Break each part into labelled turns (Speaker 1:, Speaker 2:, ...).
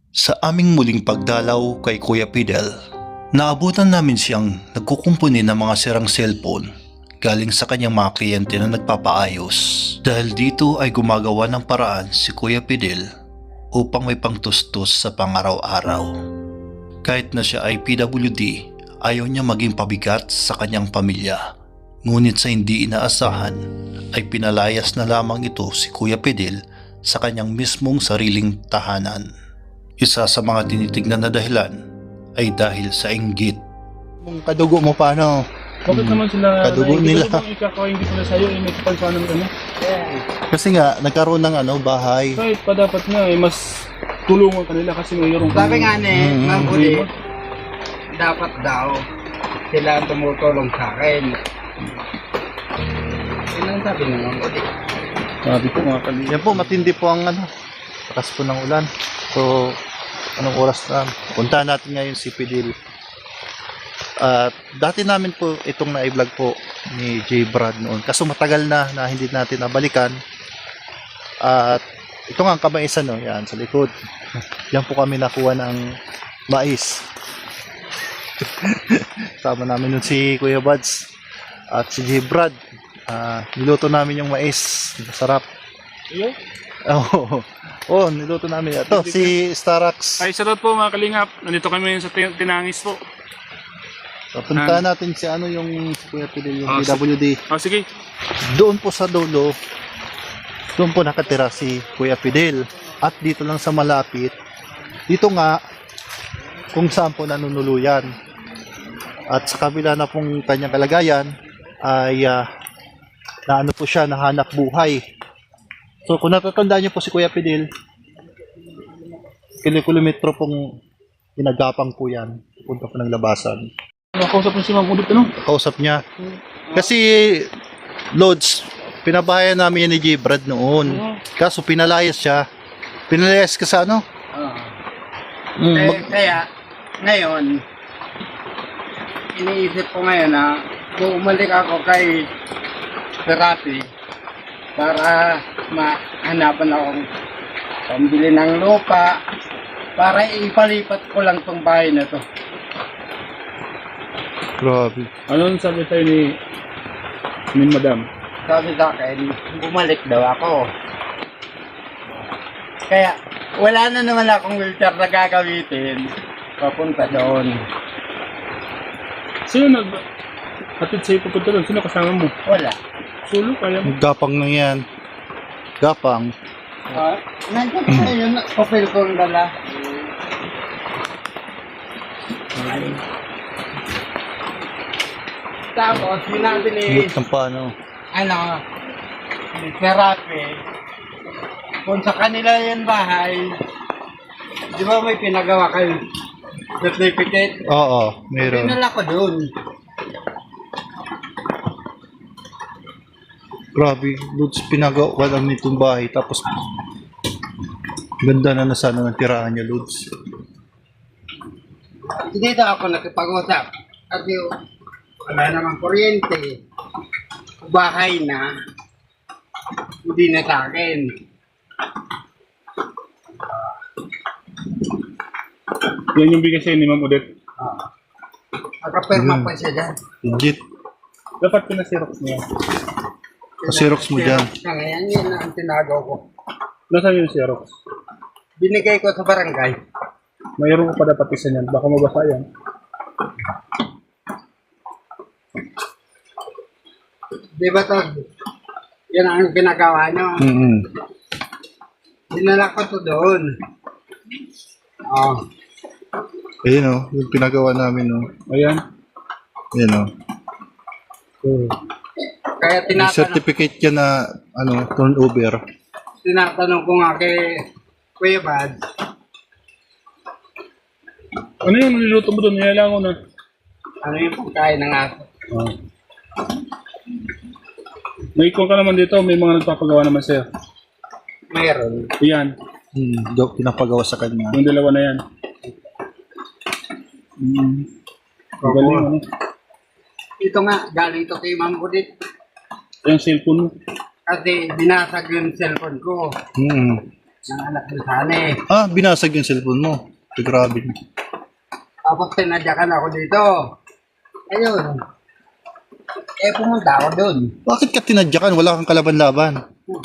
Speaker 1: Sa aming muling pagdalaw kay Kuya Fidel, naabutan namin siyang nagkukumpuni ng mga sirang cellphone galing sa kanyang mga kliyente na nagpapaayos. Dahil dito ay gumagawa ng paraan si Kuya Fidel upang may pangtustos sa pangaraw-araw. Kahit na siya ay PWD, ayaw niya maging pabigat sa kanyang pamilya. Ngunit sa hindi inaasahan ay pinalayas na lamang ito si Kuya Fidel sa kanyang mismong sariling tahanan. Isa sa mga tinitignan na dahilan ay dahil sa inggit.
Speaker 2: Kung kadugo mo paano?
Speaker 3: Bakit naman sila
Speaker 2: Kadugo nila.
Speaker 3: Ikakain sila sa'yo, may kapansanan ng ano?
Speaker 2: Kasi nga, nagkaroon ng bahay.
Speaker 3: Kahit pa dapat nga, mas tulungan kanila kasi mayroong...
Speaker 4: Sabi nga ni Ma'am Uli, dapat daw sila ang tumutulong sa akin. Yun ang sabi ni Ma'am Uli.
Speaker 3: Sabi ko mga kanila.
Speaker 2: Yan po, matindi po ang lakas po ng ulan. So, anong oras na? Puntahan natin ngayon si Fidel. At dati namin po itong na-vlog po ni J. Brad noon. Kaso matagal na hindi natin nabalikan. At ito nga ang kamaisan, no? Yan, sa likod. Yan po kami nakuha ng mais. Sama namin nun si Kuya Buds at si J. Brad. Niluto namin yung mais. Sarap.
Speaker 3: Iyo?
Speaker 2: Niluto namin. Ito, si Starax.
Speaker 3: Ay, sarap po mga kalingap. Nandito kami sa Tinangis po.
Speaker 2: So, puntahan natin si yung si Kuya Fidel, yung
Speaker 3: Oh,
Speaker 2: PWD.
Speaker 3: Sige.
Speaker 2: Doon po sa dulo, doon po nakatira si Kuya Fidel. At dito lang sa malapit, dito nga, kung saan po nanunuluyan. At sa kabila na pong kanyang kalagayan, ay naano po siya, nahanap buhay. So kung natatandaan niyo po si Kuya Fidel, kilometro pong pinagapang po yan. Punta po ng labasan.
Speaker 3: Nakausap mo si Ma'am Ulit, ano?
Speaker 2: Kausap niya. Kasi, Lods, pinabahayan namin yan ni J. Brad noon. Kaso pinalayas siya. Pinalayas ka sa ano?
Speaker 4: Kaya, ngayon, iniisip ko ngayon na bumalik ako kay therapy para mahanapan akong pambili ng lupa para ipalipat ko lang tong bahay na to.
Speaker 2: Grabe.
Speaker 3: Ano sabi tayo ni Madam?
Speaker 4: Sabi sa akin, bumalik daw ako. Kaya, wala na naman akong wheelchair na gagamitin. Papunta doon.
Speaker 3: Sino hatid sa'yo pupunta doon? Sino kasama mo?
Speaker 4: Wala.
Speaker 3: Sulo, kaya mo?
Speaker 2: Gapang na yan. Gapang.
Speaker 4: Nandiyan na yun, papel kong dala. Tapos, sinabi ni,
Speaker 2: Lit ng paano.
Speaker 4: ni therapy, kung sa kanila yung bahay, di ba may pinagawa kayo certificate?
Speaker 2: Oo, meron.
Speaker 4: Pinala ko doon.
Speaker 2: Grabe. Lods, pinagawa lang nitong bahay. Tapos, ganda na sana ng tirahan niya, Lods.
Speaker 4: Dito ako nakipag-usap. Kasi wala namang kuryente. Bahay na. Hindi na sa akin.
Speaker 3: Yan yung bigay sa'yo ni Ma'am Udet.
Speaker 4: Nakapirma pa siya dyan.
Speaker 2: Legit.
Speaker 3: Dapat pinasirox niya.
Speaker 2: Pasirox mo dyan.
Speaker 4: Siya ngayon, yun ang tinagaw ko.
Speaker 3: Nasaan yung Xerox?
Speaker 4: Binigay ko sa barangay.
Speaker 3: Mayroon ko pa dapat isa niyan. Baka mabasa yan.
Speaker 4: Di ba to? Yan ang ginagawa nyo. Dinala ko to doon. Oh.
Speaker 2: Ayun o, yung pinagawa namin o.
Speaker 3: Ayan.
Speaker 2: Ayun o.
Speaker 4: Kaya
Speaker 2: May certificate yan na turnover.
Speaker 4: tinatanong ko nga kay Kuya Bad,
Speaker 3: Ano yung niluluto mo doon? Nilalango na.
Speaker 4: ano yung pagkain ng aso?
Speaker 3: May ikon ka naman dito. May mga nagpapagawa naman sa'yo.
Speaker 4: Mayroon.
Speaker 3: Ayan.
Speaker 2: Pinapagawa sa kanya.
Speaker 3: Yung dalawa na yan. Magaling ano.
Speaker 4: Ito nga, galing to kay Ma'am Udit.
Speaker 3: Yung cellphone mo.
Speaker 4: Kasi binasag yung cellphone ko. ng anak ni Sani.
Speaker 2: Binasag yung cellphone mo. Grabe.
Speaker 4: Tapos tinadyakan ako dito. Ayun. Pumunta ako doon.
Speaker 2: Bakit ka tinadyakan? Wala kang kalaban-laban.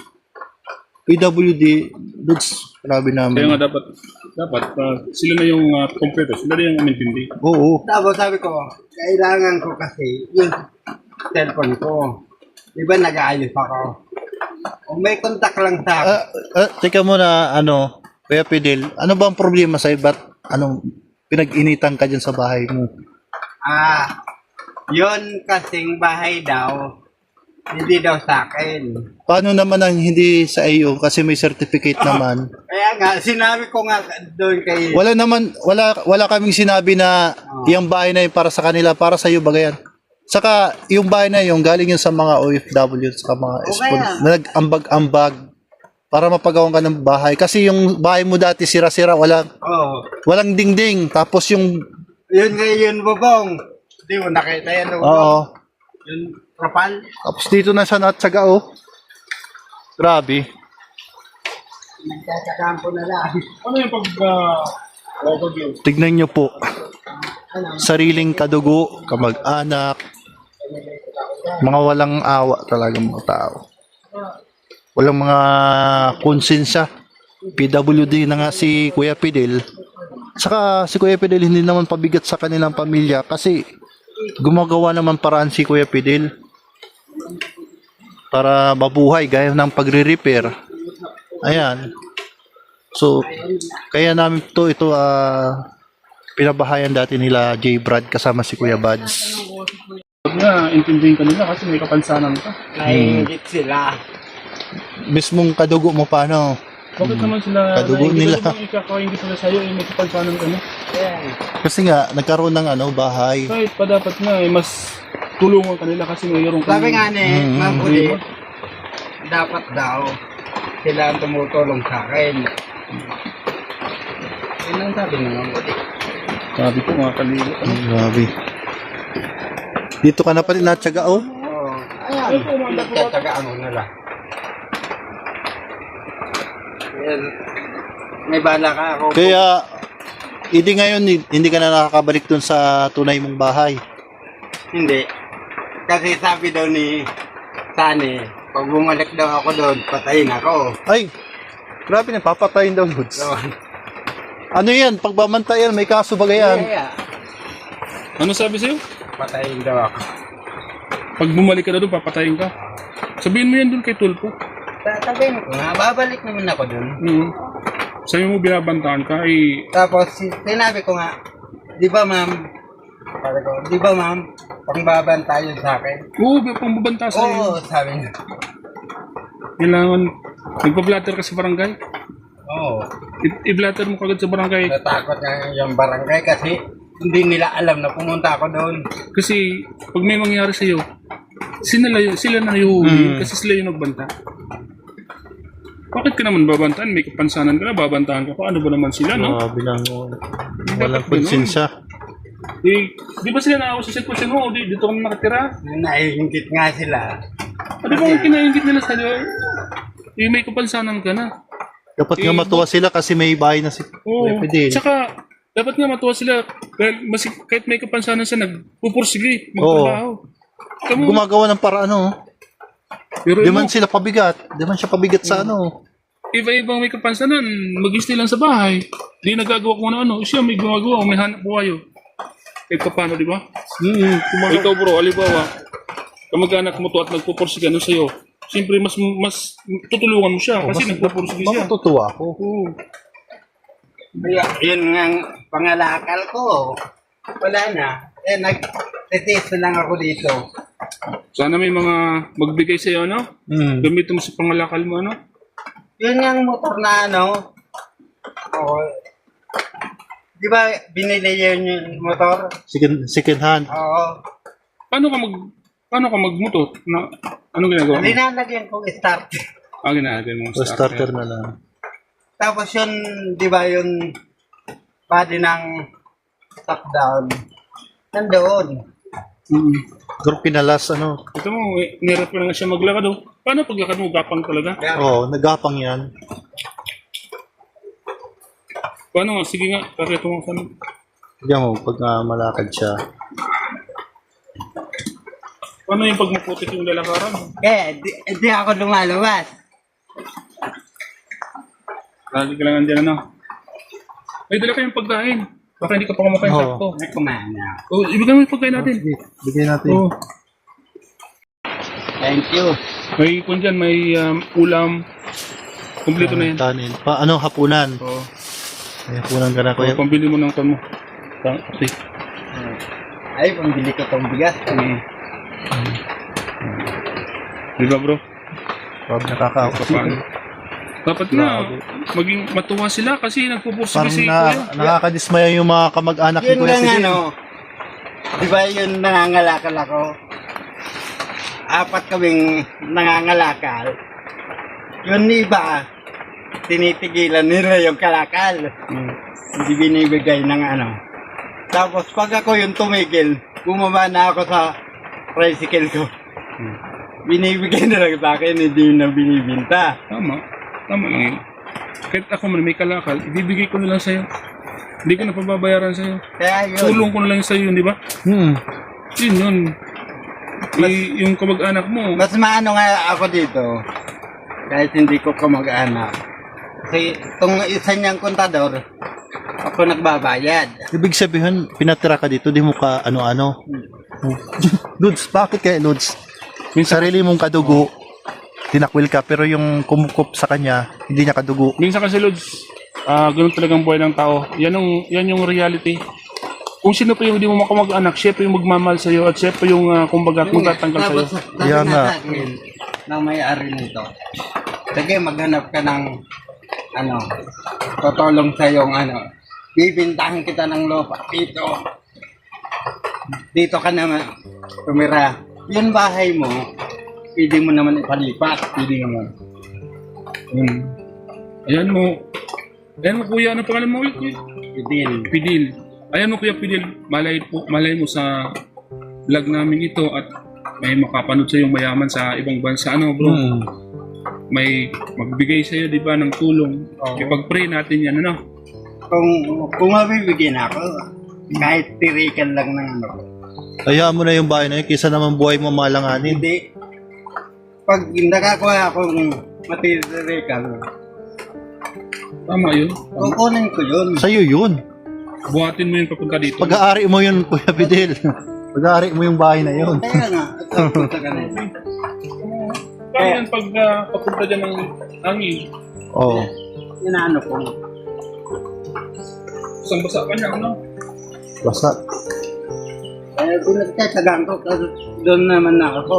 Speaker 2: PWD, Dudes, grabe
Speaker 3: Kaya
Speaker 2: namin.
Speaker 3: nga dapat sila na yung kompleto, sila na yung umintindi.
Speaker 2: Oo.
Speaker 4: Tapos sabi ko, kailangan ko kasi yung cellphone ko. Di ba nag-aayos ako? Kung may contact lang sa akin.
Speaker 2: Teka muna, Kuya Fidel, ano ba ang problema sa'yo? Ba't, pinag-initan ka dyan sa bahay mo?
Speaker 4: Yun kasing bahay daw, hindi daw sa akin.
Speaker 2: Paano naman ang hindi sa iyo? Kasi may certificate naman.
Speaker 4: Kaya nga, sinabi ko nga doon kay...
Speaker 2: Wala kaming sinabi na yung bahay na yun para sa kanila, para sa iyo ba yan? Saka yung bahay na yun, galing yun sa mga OFW, sa mga na nag-ambag-ambag para mapagawan ka ng bahay. Kasi yung bahay mo dati sira-sira, walang dingding. Tapos yung...
Speaker 4: Yun nga yun, Bobong. Hindi mo nakita yan, Bobong.
Speaker 2: Oo.
Speaker 4: Yung trapal.
Speaker 2: Tapos dito na siya natsaga, oh. Grabe.
Speaker 4: Nagkakakampo po na lang.
Speaker 3: Ano yung overview?
Speaker 2: Tignan nyo po. Sariling kadugo, kamag-anak, mga walang awa talaga mga tao. Walang mga konsensya. PWD na nga si Kuya Fidel. Saka si Kuya Fidel hindi naman pabigat sa kanilang pamilya kasi gumagawa naman paraan si Kuya Fidel para mabuhay gaya ng pagre-repair. Ayan. So, kaya namin ito pinabahayan dati nila J. Brad kasama si Kuya Buds.
Speaker 3: Huwag nga, intindihin ka nila kasi may kapansanan ka.
Speaker 4: Naiingit sila.
Speaker 2: Mismong kadugo mo paano?
Speaker 3: Bakit naman sila,
Speaker 2: Kadugo nila.
Speaker 3: Bakit ikakaingit sila sa'yo, may kapansanan ka na?
Speaker 2: Kasi nga, nagkaroon ng bahay.
Speaker 3: Kahit pa dapat nga, mas tulungan ka nila kasi mayroong
Speaker 4: Sabi nga ni
Speaker 2: Mm,
Speaker 4: Ma'am Uli, dapat daw sila ang tumutulong sa akin. Yun ang sabi ni Ma'am Uli.
Speaker 3: Sabi ko mga kaligot.
Speaker 2: Grabe. Dito ka na pa rin natsaga, oh.
Speaker 4: Oo. Ayan, nagtatagaan mo na lang. Ayan. May bala ka ako.
Speaker 2: Kaya, hindi ka na nakakabalik dun sa tunay mong bahay.
Speaker 4: Hindi. Kasi sabi daw ni Sani, pag bumalik daw ako doon, patayin ako.
Speaker 2: Ay, grabe na, papatayin daw, Lods.
Speaker 4: So,
Speaker 2: Ano yan? Pagbamantayan, may kaso ba yan?
Speaker 4: kaya,
Speaker 3: Ano sabi sa'yo?
Speaker 4: patayin daw ako.
Speaker 3: Pag bumalik ka na doon, papatayin ka. Sabihin mo yan doon kay Tulpo.
Speaker 4: Sabihin ko nga, babalik naman ako doon.
Speaker 3: Sabi mo binabantaan ka, ay
Speaker 4: Tapos, sinabi ko nga, di ba ma'am, sabi ko, di ba ma'am, pangbabanta yun sa akin?
Speaker 3: oo, may pambabanta sa'yo.
Speaker 4: Oo, sabi niya.
Speaker 3: Kailangan, nagpa-blatter ka sa barangay.
Speaker 4: Oo.
Speaker 3: I-blatter mo kagad sa barangay.
Speaker 4: Natakot nga yung barangay kasi hindi nila alam na pumunta ako doon.
Speaker 3: Kasi, pag may mangyari sa'yo, sila na yung kasi sila yung nagbanta. Bakit ka naman babantaan? May kapansanan ka na, babantaan ka pa. Ano ba naman sila, no?
Speaker 2: Grabe lang, walang
Speaker 3: dapat ganun.
Speaker 2: konsensya.
Speaker 3: Di ba sila naawa sa sitwasyon mo? Dito kami nakatira.
Speaker 4: Naiingit nga sila.
Speaker 3: Ano ba ang kinaingit nila sa'yo? May kapansanan ka na.
Speaker 2: Dapat nga matuwa sila kasi may bahay na si
Speaker 3: Oo.
Speaker 2: Kuya Fidel.
Speaker 3: Tsaka, dapat nga matuwa sila. Dahil kahit may kapansanan siya, nagpupursige, magtrabaho. Kamu,
Speaker 2: Gumagawa ng paraan,
Speaker 3: pero
Speaker 2: Di man sila pabigat. Di man siya pabigat sa
Speaker 3: iba-ibang may kapansanan, mag-stay lang sa bahay. Di nagagawa kung ano-ano. Siya may gumagawa, may hanap buhay. Kahit ka paano, di ba? Ikaw bro, alibawa, kamag-anak mo to at nagpupursige ano sa'yo. Siyempre, mas tutulungan mo siya kasi nagpupursige siya.
Speaker 2: Matutuwa ako.
Speaker 3: Oo.
Speaker 4: Kaya, yun nga ang pangalakal ko. Wala na. Nag-test na lang ako dito.
Speaker 3: Sana may mga magbigay sa'yo, ano? Gamitin mo sa pangalakal mo, ano?
Speaker 4: Yun nga ang motor na Oo. Di ba binili yun yung motor?
Speaker 2: Second hand.
Speaker 4: Oo.
Speaker 3: Paano ka magmotor? Ano ginagawa mo?
Speaker 4: Linalagyan kong start.
Speaker 3: Ginagawa mo
Speaker 2: O starter na lang.
Speaker 4: Tapos yun, di ba yung body ng top down, nandoon.
Speaker 2: Pero pinalas,
Speaker 3: Ito mo, nirap ko na nga siya maglakad, oh. Paano paglakad mo? Gapang talaga?
Speaker 2: Oo, nagapang yan.
Speaker 3: Paano nga? Sige nga, pakita mo saan.
Speaker 2: Diyan mo, pag malakad siya.
Speaker 3: Paano yung pag maputik yung lalakaran?
Speaker 4: di ako lumalabas.
Speaker 3: Lagi ka lang andyan, ano? May dala kayong pagkain. Baka hindi ka pa kumakain
Speaker 2: Oo.
Speaker 3: sakto.
Speaker 4: Kumain na.
Speaker 3: Oh, ibigay mo yung pagkain natin.
Speaker 2: Sige, bigyan natin.
Speaker 3: Oh,
Speaker 4: Thank you.
Speaker 3: may kung dyan, may ulam. Kompleto na yan.
Speaker 2: Kanin. Ano, hapunan.
Speaker 3: Oh,
Speaker 2: May hapunan ka na, kuya.
Speaker 3: pambili mo ng kan mo. Okay.
Speaker 4: Ay, pambili ko tong bigas.
Speaker 3: Di ba bro?
Speaker 2: Pag nakakaupo.
Speaker 3: Paano? Dapat nga, maging matuwa sila kasi nagpupursige
Speaker 2: Parang
Speaker 3: si Kuya.
Speaker 2: nakakadismaya yung mga kamag-anak ni
Speaker 4: Yun
Speaker 2: Kuya
Speaker 4: lang
Speaker 2: Fidel.
Speaker 4: ano. Di ba yun nangangalakal ako? 4 kaming nangangalakal. Yun iba, tinitigilan nila yung kalakal. Hindi binibigay ng ano. Tapos pag ako yung tumigil, bumaba na ako sa tricycle ko. Binibigay na lang sa akin, hindi na binibinta.
Speaker 3: Tama. Tama lang yun. Kahit ako man may kalakal, ibibigay ko na lang sa'yo. Hindi ko na pababayaran sa'yo.
Speaker 4: Kaya yun.
Speaker 3: Tulong ko na lang sa'yo, di ba? Yun yun. Yung kamag-anak mo,
Speaker 4: Mas maano nga ako dito, kahit hindi ko kamag-anak. Kasi itong isa niyang kontador, ako nagbabayad.
Speaker 2: Ibig sabihin, pinatira ka dito, di mo ka ano-ano. Lods, bakit kaya Lods? Yung sarili mong kadugo, tinakwil ka, pero yung kumukup sa kanya, hindi niya kadugo.
Speaker 3: minsan kasi Lods, ganun talagang buhay ng tao. Yan yung reality. Kung sino pa yung hindi mo makamag-anak, siya pa yung magmamahal sa'yo at siya pa yung kumbaga magtatanggal sa'yo.
Speaker 4: Tapos sabi
Speaker 2: Kaya
Speaker 4: nga
Speaker 2: nga.
Speaker 4: sa akin, ng may-ari nito, sige maghanap ka ng ano, tutulong sa yung ano, bibintahan kita ng lupa dito ka naman tumira. Yung bahay mo, pwede mo naman ipalipat, pwede naman.
Speaker 3: Ayan mo kuya, ano pangalan mo ulit?
Speaker 4: Pwede.
Speaker 3: Pidil. Ayan mo kuya Pidil, malay mo sa vlog namin ito at may makapanood sa yung mayaman sa ibang bansa. Ano bro? May magbigay sa iyo, di ba, ng tulong. Ipag-pray natin yan, ano?
Speaker 4: Kung mabibigyan ako, kahit tirikan lang ng ano.
Speaker 2: Hayaan mo na yung bahay na yun, kaysa naman buhay mo malanganin.
Speaker 4: Hindi. Pag nakakuha akong matitirikan,
Speaker 3: Tama yun.
Speaker 4: kukunin ko yun.
Speaker 2: Sa'yo yun.
Speaker 3: Buhatin mo yung papunta dito.
Speaker 2: Pag-aari mo yun, Kuya Fidel. Pag-aari mo yung bahay na yun.
Speaker 4: Kaya nga, at punta ka na yun.
Speaker 3: Paano yan pag papunta dyan ng hangin?
Speaker 2: Oo.
Speaker 4: Inaano ko.
Speaker 3: Isang basa ka niya, ano?
Speaker 2: Basta.
Speaker 4: Eh, pinagtatagaan ko kasi doon naman na ako.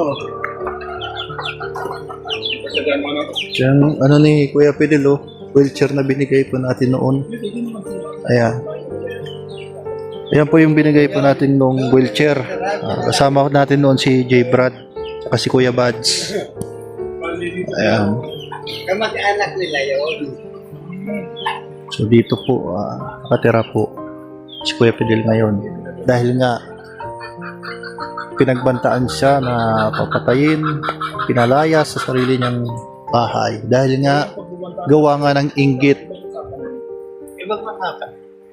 Speaker 3: Kasagaan mo, ano?
Speaker 2: Yung ano ni Kuya Fidel, oh, wheelchair na binigay po natin noon. Ayan. Ayan po yung binigay po natin nung wheelchair. Kasama natin noon si J. Brad at si Kuya Bads. Ayan.
Speaker 4: Kamag-anak nila yun.
Speaker 2: So dito po, nakatira po si Kuya Fidel ngayon. Dahil nga, pinagbantaan siya na papatayin, pinalaya sa sarili niyang bahay. Dahil nga, gawa nga ng inggit.
Speaker 4: Ibang makaka.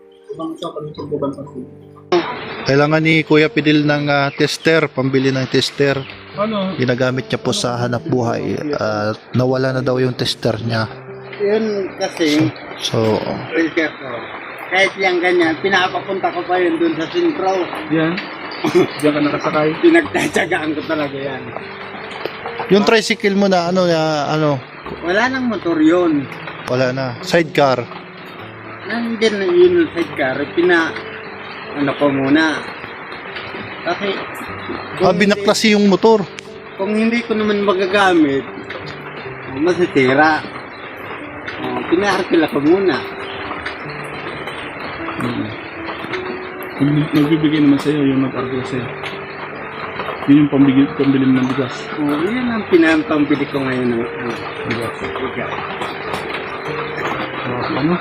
Speaker 2: Kailangan ni Kuya Fidel ng tester, pambili ng tester.
Speaker 3: Ano?
Speaker 2: Ginagamit niya po sa hanap buhay. Nawala na daw yung tester niya.
Speaker 4: Yun kasi,
Speaker 2: So,
Speaker 4: wheelchair ko. Kahit yung ganyan, pinapapunta ko pa yun dun sa sentro.
Speaker 3: Yan. Diyan ka nakasakay.
Speaker 4: Pinagtatsagaan ko talaga yan.
Speaker 2: yung tricycle mo na ano,
Speaker 4: Wala nang motor yun.
Speaker 2: wala na. Sidecar.
Speaker 4: Nandyan na yun yung sidecar. Ano ko muna. Kasi,
Speaker 2: Binaklasi yung motor.
Speaker 4: kung hindi ko naman magagamit, masitira. Pinaharkila ko muna.
Speaker 3: Nagbibigay naman sa'yo yung nag-argue sa'yo. Yun yung pambili ng bigas.
Speaker 4: Yan ang pinampambili ko ngayon ng
Speaker 3: Bigas.
Speaker 4: bigas.
Speaker 3: Ano?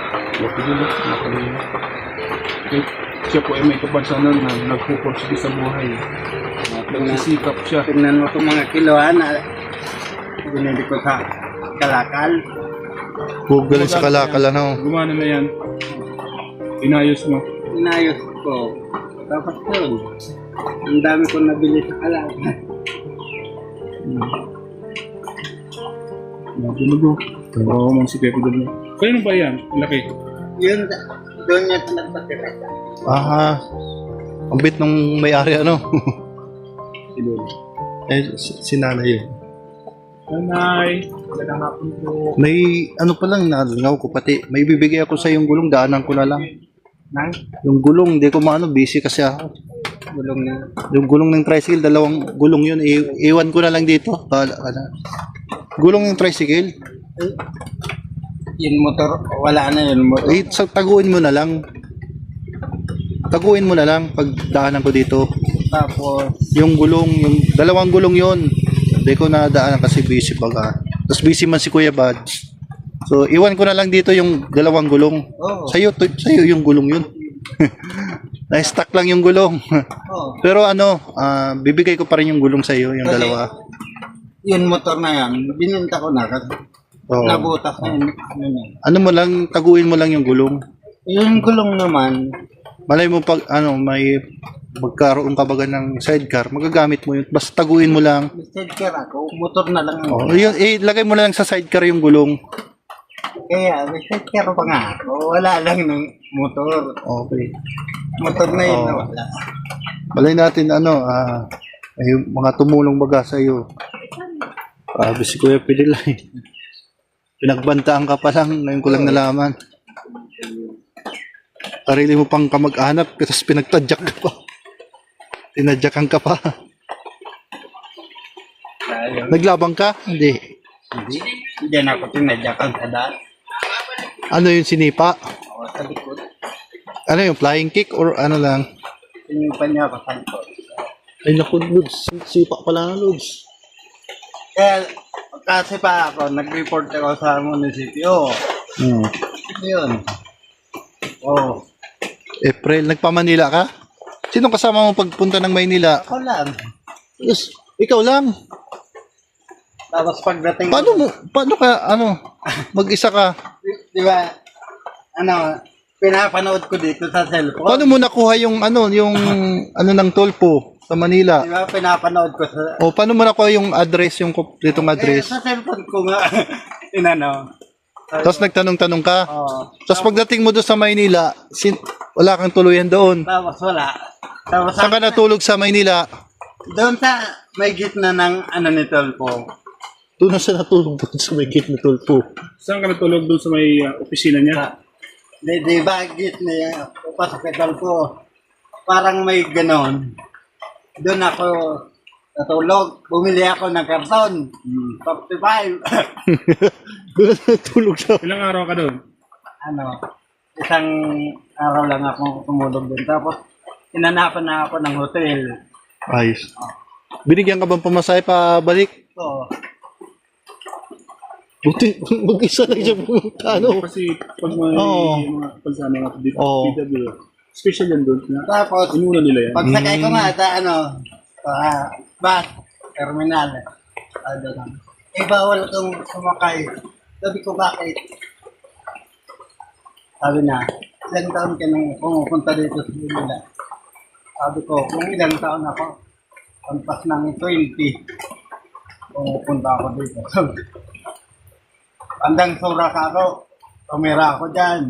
Speaker 3: Siya po ay may kapansanan na nagpupursige sa buhay. Nagsisikap siya.
Speaker 4: Tingnan mo itong mga kiloan na binili ko sa kalakal.
Speaker 2: Huwag galing sa kalakal, ano.
Speaker 3: Gumana na yan. Inayos mo.
Speaker 4: Inayos ko. Tapos yun, ang dami ko nabili sa kalaga.
Speaker 3: Nagulo. Oo, man si Pepe doon. Kaya ba yan? Laki.
Speaker 4: Yun, doon niya nagpatira.
Speaker 2: Ang bit nung may-ari ano.
Speaker 3: Siguro.
Speaker 2: Si nanay yun.
Speaker 3: Nanay, magandang hapon po.
Speaker 2: May ano pa lang, nalingaw ko pati. May bibigay ako sa yung gulong, daanan ko na lang.
Speaker 4: Nang
Speaker 2: Yung gulong, hindi ko maano, busy kasi ako.
Speaker 4: gulong na.
Speaker 2: Yung gulong ng tricycle, dalawang gulong yun. Iwan ko na lang dito. Gulong ng tricycle.
Speaker 4: Yung motor, wala na yun motor.
Speaker 2: Taguin mo na lang. Taguin mo na lang pag daanan ko dito.
Speaker 4: Tapos,
Speaker 2: Yung gulong, yung dalawang gulong yun. Hindi ko na daanan kasi busy baga. Tapos busy man si Kuya Bads. So, iwan ko na lang dito yung dalawang gulong.
Speaker 4: Oo.
Speaker 2: Sa'yo yung gulong yun. Na-stuck lang yung gulong.
Speaker 4: oh,
Speaker 2: Pero ano, bibigay ko pa rin yung gulong sa'yo, yung
Speaker 4: Kasi-
Speaker 2: dalawa.
Speaker 4: yung motor na yan, bininta ko na kasi
Speaker 2: Oo.
Speaker 4: nabutas na yun. Ano na.
Speaker 2: Ano mo lang, taguin mo lang yung gulong.
Speaker 4: Yung gulong naman,
Speaker 2: Malay mo pag may magkaroon ka baga ng sidecar, magagamit mo yun. Basta taguin mo lang.
Speaker 4: sidecar ako, motor na lang.
Speaker 2: Oh, yun, lagay mo na lang sa sidecar yung gulong.
Speaker 4: Kaya, may sidecar pa nga ako. Wala lang ng motor.
Speaker 2: Okay.
Speaker 4: Motor na yun
Speaker 2: Oo.
Speaker 4: na wala.
Speaker 2: Malay natin ay mga tumulong baga sa iyo. Grabe si Kuya Pidilay. Pinagbantaan ka pa lang, ngayon ko lang nalaman. Sarili mo pang kamag-anak, tapos pinagtadyak ka pa. Tinadyakan ka pa.
Speaker 4: Dahil,
Speaker 2: Naglabang ka? Hindi.
Speaker 4: hindi na ako tinadyakan sa daan.
Speaker 2: Ano yung sinipa?
Speaker 4: Ako sa likod.
Speaker 2: Ano yung flying kick or ano lang?
Speaker 4: Sinipan niya ako sa likod.
Speaker 2: Ay naku, Lods. Sipa pala na, Lods.
Speaker 4: Kaya, kasi pa ako, nag-report ako sa munisipyo.
Speaker 2: Hmm.
Speaker 4: Yun. Oh,
Speaker 2: April, nagpa-Manila ka? Sino kasama mo pagpunta ng Maynila?
Speaker 4: ako lang.
Speaker 2: Yes, ikaw lang.
Speaker 4: Tapos pagdating
Speaker 2: Paano ka, mag-isa ka?
Speaker 4: di ba, pinapanood ko dito sa cellphone.
Speaker 2: Paano mo nakuha yung ng Tolpo sa Manila?
Speaker 4: Di ba, pinapanood ko sa...
Speaker 2: O paano mo nakuha yung address, yung ditong address?
Speaker 4: Sa cellphone ko nga,
Speaker 2: Tapos nagtanong-tanong ka?
Speaker 4: Oo.
Speaker 2: Tapos pagdating mo doon sa Maynila, wala kang tuluyan doon.
Speaker 4: Tapos wala. Tapos
Speaker 2: Saan ka natulog sa Maynila?
Speaker 4: doon sa may gitna ng ni Tolpo.
Speaker 2: Doon na siya natulog doon sa may gate na Tolpo.
Speaker 3: Saan ka natulog doon sa may opisina niya?
Speaker 4: Di ba gitna yung pasok kay Tolpo. Parang may ganon. Doon ako natulog. Bumili ako ng karton. 55.
Speaker 2: Doon na natulog siya.
Speaker 3: Ilang araw ka doon?
Speaker 4: Isang araw lang ako tumulog doon. Tapos, inanapan na ako ng hotel.
Speaker 2: Ayos. Binigyan ka bang pamasahe pa balik?
Speaker 4: So,
Speaker 2: Buti, mag-isa lang siya pumunta,
Speaker 3: Kasi pag may
Speaker 2: Oo.
Speaker 3: mga pagsama nga dito,
Speaker 2: Oo.
Speaker 3: PW, special yan doon.
Speaker 4: tapos,
Speaker 3: Inuna nila yan.
Speaker 4: pagsakay ko nga sa bus, terminal. Bawal kang sumakay. Sabi ko, bakit? Sabi na, ilang taon ka nang pumupunta dito sa Manila? Sabi ko, kung ilang taon ako, pampas ng 20, pumupunta ako dito. Andang surak ako, tumira ako dyan.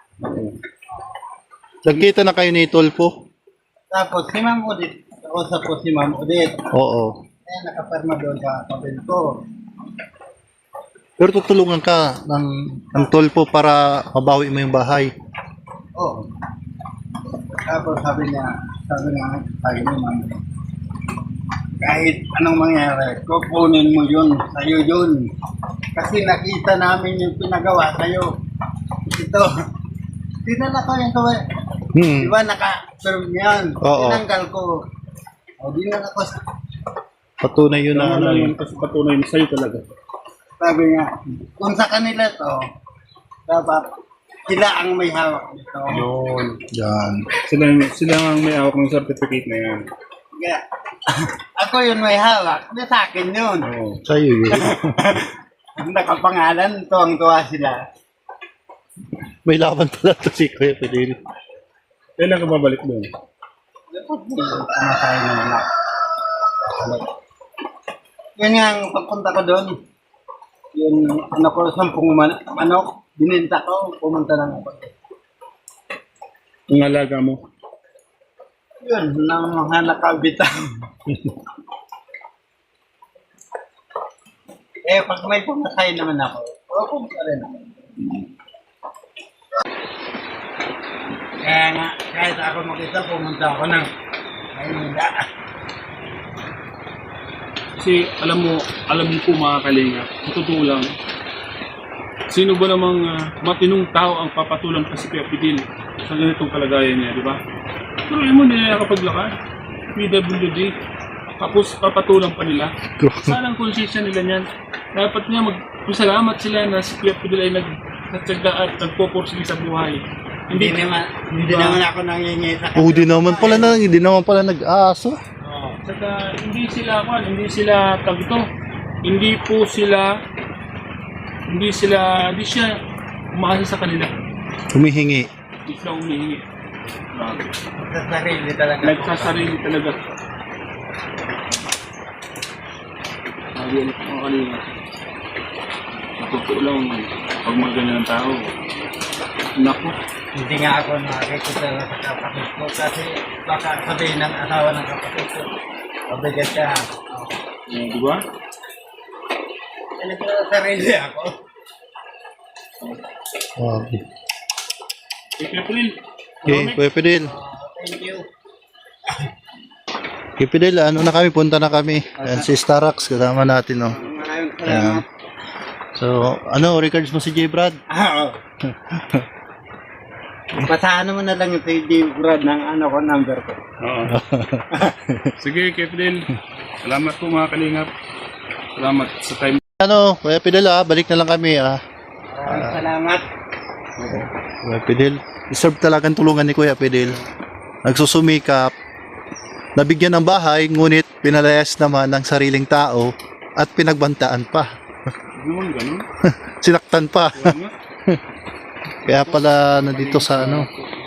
Speaker 2: Nagkita na kayo ni Tolpo?
Speaker 4: Tapos si Ma'am Udit, kausap ko si Ma'am Udit.
Speaker 2: Oo.
Speaker 4: Kaya nakaperma doon sa kapil ko.
Speaker 2: Pero tutulungan ka ng Tolpo para mabawi mo yung bahay.
Speaker 4: Oo. Tapos sabi niya, sabi ni Ma'am, kahit anong mangyari, kukunin mo yun, sa'yo yun. Kasi nakita namin yung pinagawa sa'yo. Ito, dinala ko yung kawai. Di ba naka-serve yan?
Speaker 2: Oo.
Speaker 4: Tinanggal ko. O, dinala ko.
Speaker 2: Patunay yun na
Speaker 3: Ano yun kasi patunay mo sa'yo talaga.
Speaker 4: Sabi nga, kung sa kanila to, dapat sila ang may hawak nito.
Speaker 3: Yun.
Speaker 2: Yan.
Speaker 3: Sila ang may awak ng certificate na yan.
Speaker 4: Kaya, ako yun may hawak, di sa akin yun.
Speaker 3: Oo.
Speaker 2: Sa'yo yun.
Speaker 4: Nakapangalan, tuwang-tuwa sila.
Speaker 2: May laban pala to si Kuya Fidel.
Speaker 3: Kailan ka babalik doon?
Speaker 4: Kumakain naman ako. Yan nga ang pagpunta ko doon. Yun, ano ko, 10 manok, bininta ko, pumunta lang ako.
Speaker 3: Ang alaga mo.
Speaker 4: Yun, nang mga nakabitaw. Pag may pumatay naman ako, pumunta rin ako. Kaya nga, kahit ako mag-isa, pumunta ako ng Maynila.
Speaker 3: Kasi alam mo po mga kalinga, sa totoo lang, sino ba namang matinong tao ang papatulang pa si Kuya Fidel sa ganitong kalagayan niya, di ba? Pero yun mo, hindi na nakapaglakad. PWD. Tapos papatulang pa nila. Saan ang konsensya nila niyan? Dapat nga magpasalamat sila na si Kuya Fidel ay nagtsaga at nagpoporsige sa buhay.
Speaker 4: Hindi naman ako nangyayay sa
Speaker 2: Hindi naman pala nag-aso.
Speaker 3: Saka hindi sila tagto. Hindi siya umaasa sa kanila.
Speaker 2: Humihingi.
Speaker 3: Hindi sila humihingi.
Speaker 4: sa sarili talaga.
Speaker 3: Nagsasarili talaga. Sabi ulit mga kanina. Totoo lang, pag mga ganyan ang tao, naku,
Speaker 4: Hindi nga ako nakikita sa kapatid ko kasi baka sabihin ng asawa ng kapatid ko. Mabigat siya.
Speaker 3: di ba?
Speaker 4: Sa sarili ako.
Speaker 2: Okay.
Speaker 3: April,
Speaker 2: Okay, Kuya Fidel.
Speaker 4: Thank you.
Speaker 2: Kuya Fidel, ano na kami? Punta na kami. Ayan, si Starax, kasama natin, no?
Speaker 4: Maraming
Speaker 2: Ayan.
Speaker 4: salamat.
Speaker 2: So, records mo si J. Brad?
Speaker 4: Oo. Pasahan mo na lang yung J. Brad ng number ko.
Speaker 3: Oo. Sige, April. Salamat po mga kalingap. Salamat sa time.
Speaker 2: Kuya Fidel, balik na lang kami,
Speaker 4: Maraming salamat.
Speaker 2: Kuya Fidel. Deserve talagang tulungan ni Kuya Fidel. Nagsusumikap. Nabigyan ng bahay, ngunit pinalayas naman ng sariling tao at pinagbantaan pa.
Speaker 3: Ano ganun?
Speaker 2: Sinaktan pa.
Speaker 3: Wala nga.
Speaker 2: Kaya pala nandito sa